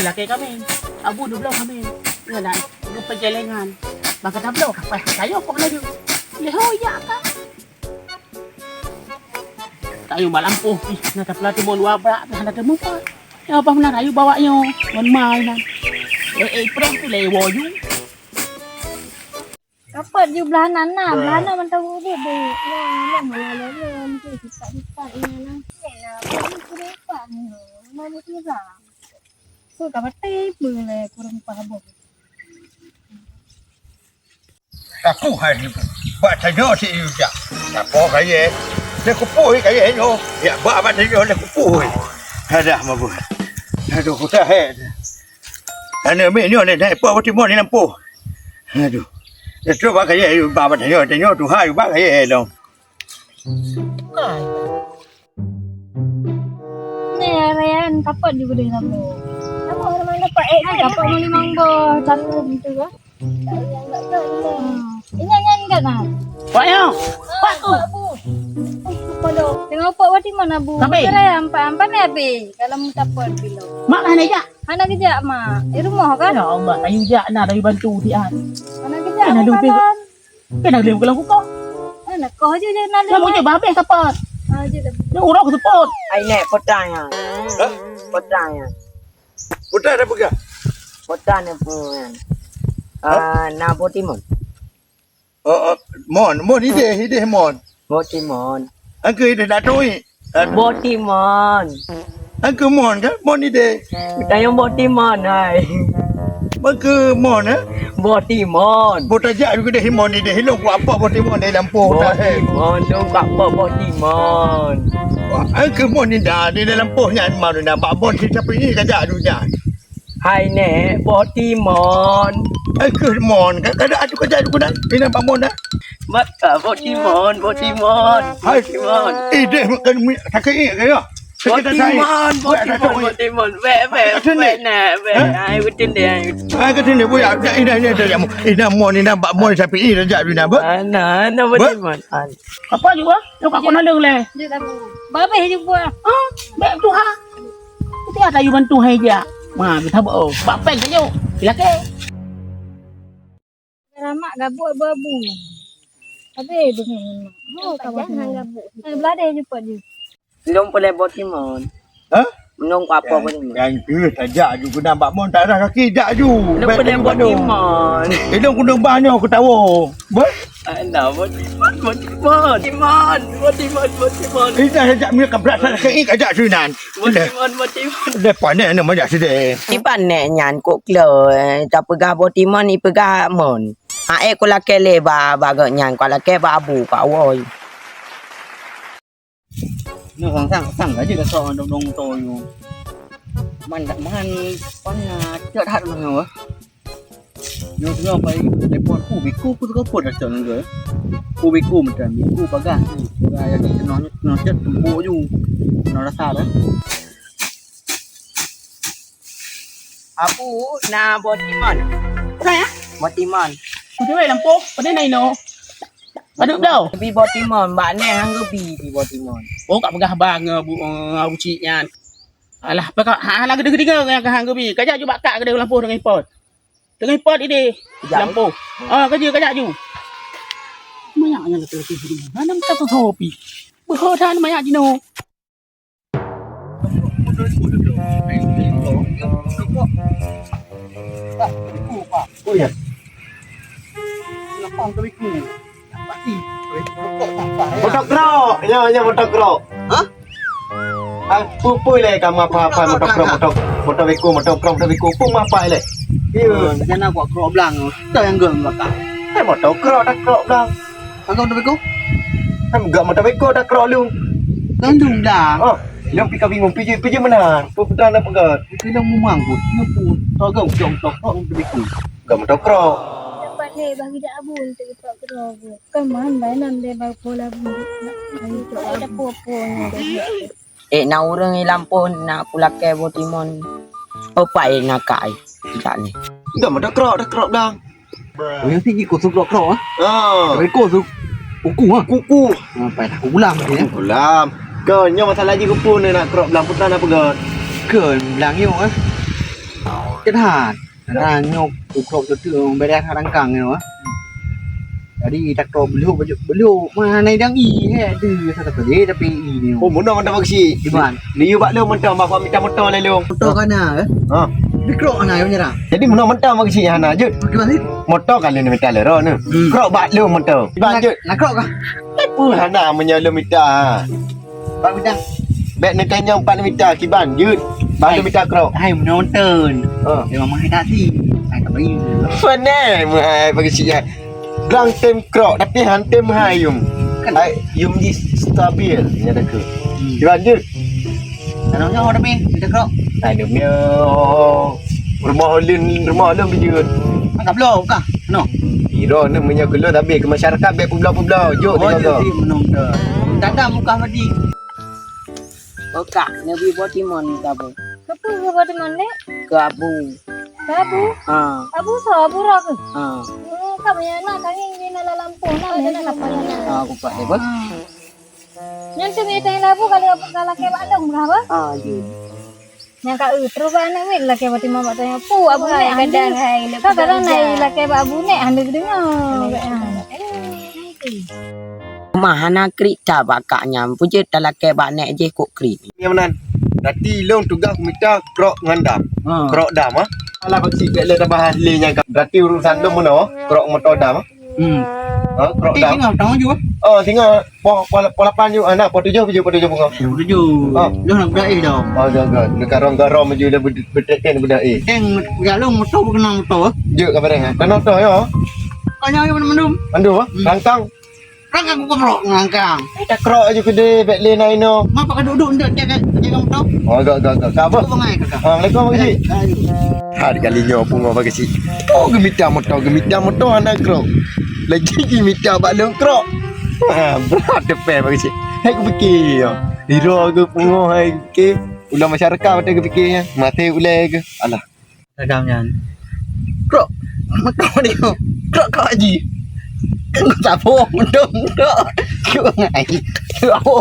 laki kami. Abu dulu kami. Ngalah, perjalanan. Baka tablo kapay kayo kung ano yun. Lehoya ka. Tayo malampo. Natapla timon wabra. Hanap mo pa. Ya apa na tayo bawa nyo. Manmay na. April tu lewo yung. Dapat je belahan na. Belahan man tahu dia be. Ya, malam tu kita ini na. Nah, boleh apa ni? Mau kira. So kapatay boleh kurang paham. Aku hari buat tanya si Yuja. Apa kaya? Dia kupuh kaya yo. Ya buat apa tanya dia kupuh. Ada mabu. Aduh kita head. Ana me ni ni dai apa timon ni nampu. Aduh. Dia cuba kaya bapa tanya tu hai ba kaya dong. Ni Ryan dapat juga dia nama. Nama orang dapat dapat melimang bo cara gitu kan. Ini nyanyi enggak nak? Pak yo. Pak tu. Kalau tengok pak wati mana bu? Saya ampan ni abi. Kalau mu dapat bilo. Mak mana ja? Anak kerja mak. Di rumah kan? Ya Allah, tayo ja na tayo bantu dia. Anak kerja. Anak lupa. Kena lem kalau aku kau. Anak kau je nak. Kamu je babe support. Aje dah. Dia urang support. Ai nek potanya. Potanya. Putar ada pega. Potanya pun. Na botimon. Mon ide mon. Botimon. Angku ide datoi. Botimon. Angku mon kan? Mon ide. Tayong botimon ai. Angku mon eh? Botimon. Putar jak juga ide mon ide. Hilong ku apa botimon di lampu dah he. Botimon dong kak botimon. Angku mon ni dah di dalam poh nyan mau dah babon si siapa ni kajak tu jak. Hai nek botimon. Angku mon kan kada adu kajak tu dah. Ini babon dah. Maka botimon. Hai Botimon. Ide makan takai kaya. Botimon. Ve ai betul dia. Ai cái này bây giờ ini mon ini bak mon sapi ini dah jadi apa? Ana botimon. Apa juga? Lu kak kena leng le. Dia dah bu. Babe juga. Ah, mek tu ha. Kita ada tayo bantu hai ja. Ma, kita bo. Bapen kayo. Laki. Lama gabuk babu. Habis begini. Oh, kawan gabuk. Belah dia jumpa je. Belum boleh botimon. Hah? Menung apa botimon. Yang tu saja ju guna bak mon tak ada kaki dak ju. Belum boleh botimon. Hidung kudung banyak aku tahu. Ber? Ana botimon. Ini saja mi kabrak sana kaki kajak sunan. Botimon. Depan ni nama dak sedih. Di panek nyan kok klo. Tak pegah botimon ni pegah mon. Ae ko la kele ba gak nyan ko la ke ba abu ka woi. Nó thằng cái gì là sợ đồng tôi mình đã ăn con chợ hạt mà ngờ nhưng chúng phải để bọn cụ bị cụ cứ có cuộn ở chợ rồi cụ bị cụ một trận bị cụ bá gà để cho nó chất bộ dù nó là sao đấy Abu na botimon. cái á Botimon. thế này làm phố ở đây này nó ở được đâu Bi botimon bạn nè hang gebi di botimon. bố cặp gà bang bu chị nha alah bakal halang gede-gede yang kahang gebi kajak ju bakak gede lampu dengan pot ini lampu cái gì kajak ju mayaknya lah tu sini mana kita tu topi berhotan mayak jino oh ya lapang ke biku pasti Motokro, ya motokro. Hah? Pupui le kamu apa motokro pun apa le? iya jangan aku kro blang tu yang geng bakak Motokro dah kro dah. kau tu biku Enggak motokro dah kro lu. tandung dah Oh, yang pika bingung piji mana? Puputan apa pegat? bilang mu manggut ngepu togong jongtok tu biku Enggak motokro. Dapat ni bagi dak abu untuk kita kerja. Kan man bainan dia bagi pola bu. Itu ada popo ni. Na urang lampu na kulake botimon. Opai na kai. Tak ni. Enggak motokro dah. oh yang tinggi kau suka kro Ah, kau suka kuku phải là cú làm thế ulam. Kau nya masalah ji kupu ni nak krop lampu tanah pegat. cười làng yêu á chất hạt là nhục cục độ cho trường bé đen đang càng nữa đi đặt đồ beliau mana yang i tu satu kali tapi i ni Oh, mana mana bagi. di mana Liu bak lu mentah bapak minta motor le lu. motor kan ah Ha. mikro ana punya dah Jadi mana mentah bagi hana je. gimana sih Motor kan lu minta le ro ni. Krok bak lu motor. Bak je. nak krok kah Apa hana menyo lu minta. bak bidang Bek ni tanya 4 minta kiban je. Bak lu minta krok. hai menonton Ha. dia memang tak sih saya tak bagi Fane mai bagi si ya. Gang tem krok tapi han tem hayum. Ai yum di stabil nya dak ke. Kiban je. namanya orang main kita krok Ai dia punya rumah ulun bijut. angkat belum kah no Iro ni punya keluar tapi ke masyarakat bek pula-pula. Jok oh dia dia kata. sih menonton tak ada muka tadi Oka Nabi Botimon kabu. Kepu ke batu mana? Ke Abu. Abu. Ha. Abu so abu rak. Ha. Kami nak kami ni nak lampung nak ni nak apa ni? Aku pak dia bos. Yang tu kita yang labu kalau ke badong berapa? Ha, je. Yang kau terus anak wek lah ke batu mama tanya pu abu ni kadang hai. Kadang naik lah ke abu ni anda dengar. Mahana krik ta bakaknya. Puje talake bak nek je kok krik. Yang mana? Dati long tugas minta krok ngandam. ha Krok dam ah. Alah bagi bek le tambah hasilnya kan. Dati urusan dom mana? Krok motor dam. Ha, krok dam. tengok tahu juga Oh, tinggal pola 8 ju anak po 7 bunga. tujuh Ah. lu nak berdai dah Oh, jaga. Ni garong-garong maju le betek budak eh. gak lu motor kenal motor Je ka bareng. Kan motor yo. kanya yang mana Mandu ah. Rangkang. kan aku keprok ngangkang Tak krok aja gede bek le nai no. ngapa kau duduk ndak jaga motor Oh, agak. Apa? apa ngai kakak Assalamualaikum Pak Cik. Hari kali nyopo ngau bagi si. Oh, gemita motor anak krok. Lagi gemita balong krok. Ha, berat depan bagi si. Hai aku fikir. Hero aku pungo hai ke. Ulah masyarakat pada aku fikirnya. Mati ulai ke. Alah. dagamnya krok motor dia krok kau haji kan kau tak apa mendung krok kau ngai kau apa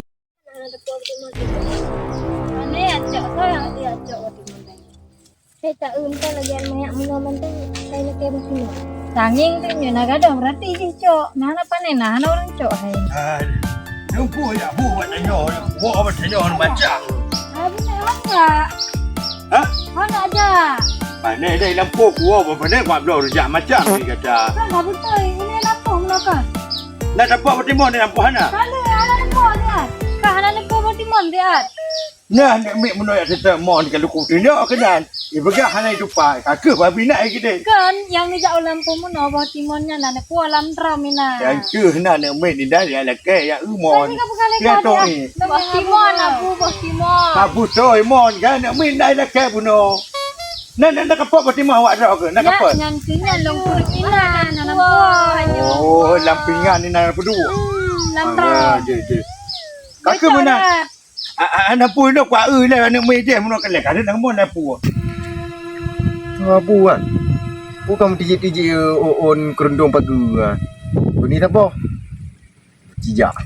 Mana acak kau yang dia acak batu mana? Saya tak unta lagi yang banyak mengaman tu saya nak ke batu. Tanging tu ni nak ada berarti je cok. Nah apa ni nah orang cok hai. Lupa ya, buat tanya. Buat tanya baca. Habis nak enggak? Ha? Mana ada? Mana ada lampu kuah apa mana buat belum rejak macam ni kata. Kan dah betul ini lapor melaka. Nak dapat bertemu ni lampu hana. Kalau ada lapor dia. Kah ada lapor bertimon dia. Nah, nak ambil menolak serta mon kalau kau tindak kenan. Ibagah hana itu pai. Kakak babi nak kita. Kan yang ni jauh lampu mana bertimonnya lah nak kuah lam tramina. Yang ke hana nak ambil ni dah ya lah ke ya umon. Dia tu ni. Bertimon aku bertimon. Abu toy mon kan nak ambil dah lah ke buno. Nak kapal bertemu awak dah ke? Nak kapal. Nyantinya lumpur ina nanam kuah. Oh, lampingan ni nak berdua. Lam tram. Je. Kakak mana? Anak pun nak kuat lah anak mai dia mun kan lek ada nang mon apa. Abu kan. Bukan tiji on kerundung pagi ah. Ini tak apa. Jijak.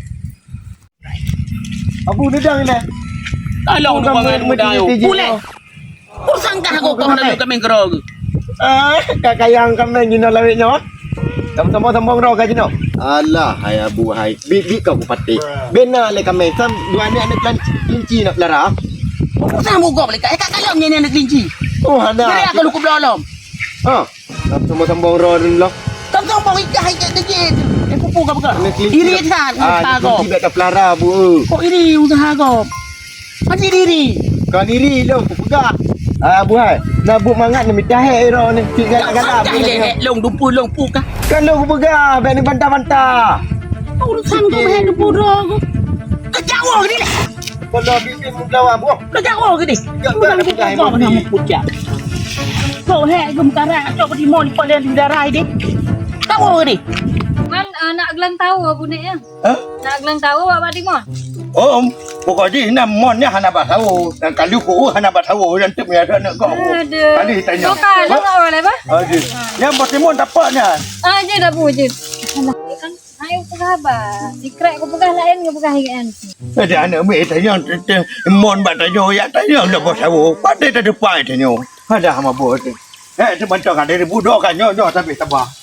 Abu dedang ni. Tolong tu pangan muda yo. Boleh. Kau sangka aku kau nak kami kerog. Kakak yang kami gina lawik nyot. Sama-sama sambung roh kaji no. Alah, hai abu hai. Bik kau kupati. Bena le kami sam dua anak kelinci nak pelara. Kau sama kau boleh. Kak kalau ni anak kelinci. Oh, ada. Kira aku lukup dalam. Ha. Sama sambung roh dulu. Kau sambung ikat kejit. Pupu kau bukan. Iri kan usaha kau. Tidak ada pelara bu. Kau iri usaha kau. Mati diri. Kau diri lo aku pegang. Abu hai. Nak buat mangat ni minta hai roh ni. Galak-galak. Long dupu long puka. Kan lo aku pegang. Bek ni bantah-bantah. Urusan kau main dupu roh. Kau jauh ke ni? Kalau bibir mulawan bu. Kau jauh ke ni? Urusan kau kau nak puja. Kau hek gum karak cok di mon pada di darah ini. Kau ni. Man nak gelang tahu apa ni ya? Ha? Nak gelang tahu apa di mon? Oh, pokoknya nak mon ni hana bat tahu. Dan kalau ku hana bat tahu dan tu punya nak kau. Aduh. Kali tanya. Kau kalau nak apa apa? Aduh. Yang bertemu dapatnya. Je dah wujud. Alah kan ayo pegabar. Dikrek aku pegah lain ke pegah kan. Ada anak mai tanya mon bat tanya ya tanya dah bos tahu. Pada tak depan tanya. Ada mabuk. Teman cakap dari budak kan nyo tapi tabah.